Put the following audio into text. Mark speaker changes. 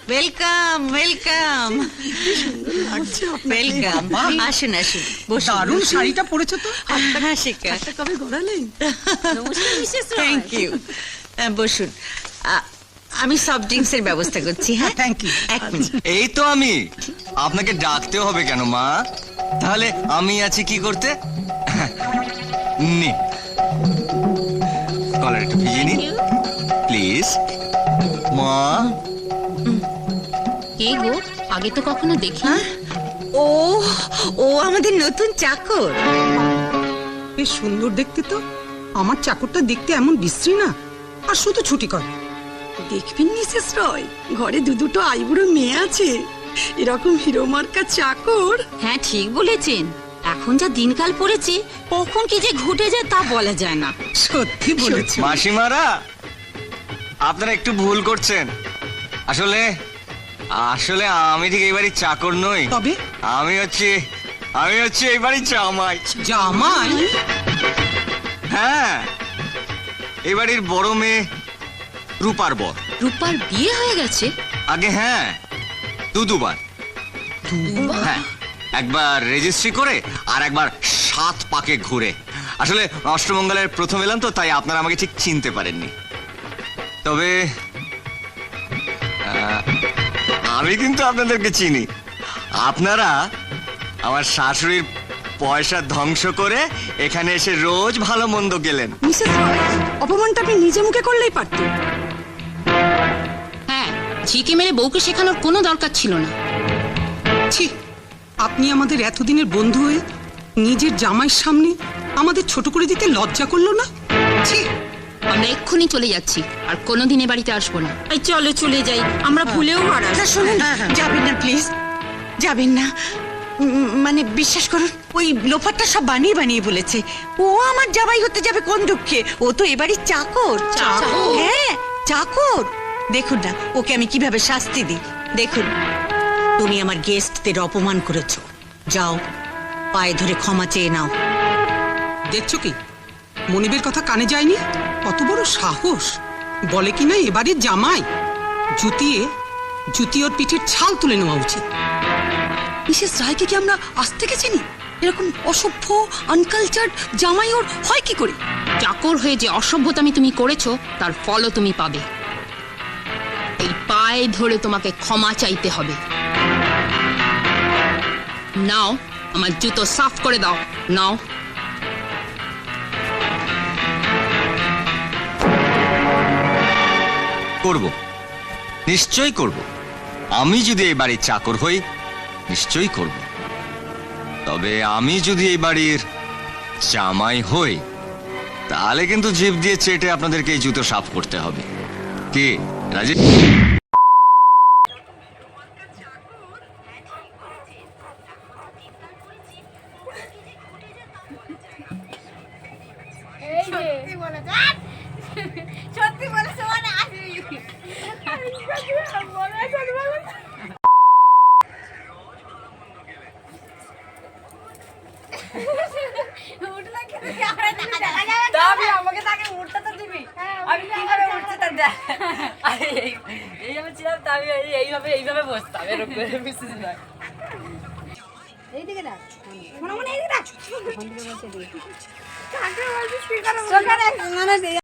Speaker 1: Welcome welcome welcome. আসুন আসুন,
Speaker 2: দারুণ শাড়িটা পরেছো তো।
Speaker 1: হ্যাঁ শিখা,
Speaker 2: কবে গড়ালেন?
Speaker 1: Thank you. বসুন, আমি সফট ড্রিঙ্কস এর ব্যবস্থা করছি। হ্যাঁ
Speaker 2: থ্যাংক ইউ।
Speaker 1: এক মিনিট।
Speaker 3: এই তো আমি। আপনাকে ডাকতে হবে কেন মা? তাহলে আমি আছি কি করতে? নে, কলার একটু ভিজিয়ে নিন প্লিজ। মা,
Speaker 4: কে গো? আগে তো কখনো দেখি।
Speaker 1: ও ও আমাদের নতুন চাকর।
Speaker 2: বেশ সুন্দর দেখতে তো। আমার চাকরটা দেখতে এমন বিশ্রী না, আর শুধু ছুটি করে।
Speaker 5: দেখবেন মিসেস রয়, ঘরে দুটো আইবুড়ো মেয়ে আছে, এরকম হিরো মার্কা চাকর।
Speaker 4: হ্যাঁ ঠিক বলেছেন, এখন যা দিনকাল পড়েছে কখন কি যে ঘটে যায় তা বলা যায় না।
Speaker 2: সত্যি বলেছো।
Speaker 3: মাসিমারা, আপনারা একটু ভুল করছেন। আসলে আসলে আমি ঠিক এই বাড়ির চাকর নই।
Speaker 2: তবে
Speaker 3: আমি হচ্ছে এই বাড়ির জামাই।
Speaker 2: জামাই?
Speaker 3: হ্যাঁ, এই বাড়ির বড় মেয়ে রূপার বর।
Speaker 4: রূপার বিয়ে হয়ে গেছে?
Speaker 3: আগে হ্যাঁ, দুবার। হ্যাঁ, একবার রেজিস্ট্রি করে আর একবার 7 পাকে ঘুরে। আসলে অষ্টমঙ্গলের প্রথম এলাম তো, তাই আপনারা আমাকে ঠিক চিনতে পারেননি। তবে আমি কিন্তু আপনাদেরকে চিনি। আপনারা আমার শাশুড়ির পয়সা ধ্বংস করে এখানে এসে রোজ ভালো মন্দ গেলেন।
Speaker 5: মিসেস রয়, অপমানটা আপনি নিজে মুখে করলেই পারতেন।
Speaker 4: হ্যাঁ, ঝিকে মেরে বউকে শেখানোর কোনো দরকার ছিল না।
Speaker 2: ছি, আপনি আমাদের এতদিনের বন্ধু হয়ে নিজের জামাইয়ের সামনে আমাদের ছোট করে দিতে লজ্জা করলো না? ছি।
Speaker 4: আমরা এক্ষুনি চলে যাচ্ছি, আর কোনোদিন এ বাড়িতে আসবো না।
Speaker 5: এই চলো চলে যাই, আমরা ভুলেও আর
Speaker 1: না শুনুন, যাবেন না প্লিজ, যাবেন না। মানে বিশ্বাস করুন, ওই লোফারটা সব বানিয়ে বানিয়ে বলেছে। ও আমার জামাই হতে যাবে কোন দুঃখে? ও তো এবারই চাকর।
Speaker 4: চাকর?
Speaker 1: হ্যাঁ চাকর। দেখুন না ওকে আমি কিভাবে শাস্তি দিই। দেখুন, তুমি আমার গেস্টদের অপমান করেছো, যাও পায়ে ধরে ক্ষমা চেয়ে নাও।
Speaker 2: দেখছো কি, মনিবের কথা কানে যায়নি? কত বড় সাহস! বলে কিনা এবারের জামাই। জুতিয়ে ওর পিঠের ছাল তুলে নেওয়া উচিত।
Speaker 5: মিসেস রায়কে কি আমরা আজ থেকে চিনি? এরকম অসভ্য আনকালচার্ড জামাই ওর হয় কি করে?
Speaker 4: চাকর হয়ে যে অসভ্যতামি তুমি করেছো তার ফলও তুমি পাবে। এই পায়ে ধরে তোমাকে ক্ষমা চাইতে হবে। নাও, আমার জুতো সাফ করে দাও। নাও।
Speaker 3: করব, নিশ্চয়ই করব। আমি যদি এই বাড়ির চাকর হই নিশ্চয়ই করব। তবে আমি যদি এই বাড়ির জামাই হই তাহলে কিন্তু জিভ দিয়ে চেটে আপনাদেরকে এই জুতো সাফ করতে হবে। কি রাজি?
Speaker 6: সত্যি বলেছে মানে আসবি আমাকে তাকে উঠতে তো দিবি। আমি কিভাবে উঠতে তা দেখ। এইভাবে ছিলাম, তা আমি এইভাবে বসতাম এরকম করে বিশেষ নয়। এইদিকে ডাক, মনে মনে এইদিকে ডাক। কাকে বলছিস কি করে?